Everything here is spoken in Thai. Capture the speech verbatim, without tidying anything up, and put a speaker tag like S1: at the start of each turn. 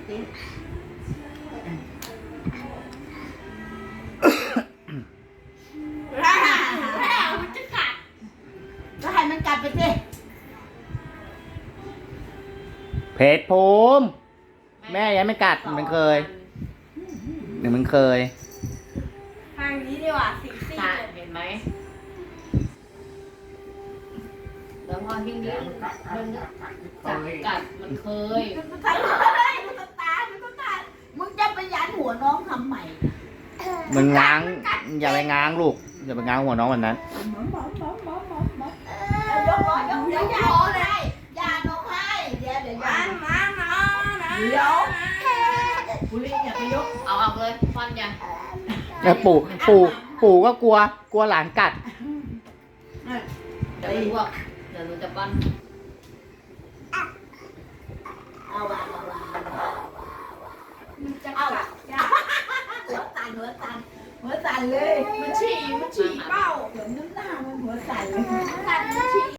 S1: สิแล้วมันจะกัดก็ให้มันกัดไปสิ
S2: เพชรภูมิแม่ยังไม่กัดมันเคยหนึ่งมันเคย
S1: ทางนี้ดีกว่าสิสิ
S3: เห็นไหมแล้วพอที่นี้มันจับกัดมันเคย
S1: มันตายมันตายมันตายมึงจะไปยันหัวน้องทำใหม่
S2: มันง้างอย่าไปง้างลูกอย่าไปง้างหัวน้องวันนั้น
S1: ยกล้อยกเดี๋ยวยาเลยยาน้องให้เดี๋ยวเดี๋ยวยามามาเดี๋ยวบุรีอย่าไปยก
S3: เอาเอาเลยฟันยัน
S2: แล้วปู่ปู่ปู่ก็กลัวกลัวหลานกัด
S3: เดี๋ยวรู้ว่าเดี๋ยวรู้จะปั้น
S1: เอาวางเอาวางเอาหัวสั่นหัวสั่นหัวสั่นเลยมันฉี่มันฉี่เป้าเหมือนน้ำหน้ามันหัวสั่นเลยสั่นมันฉี่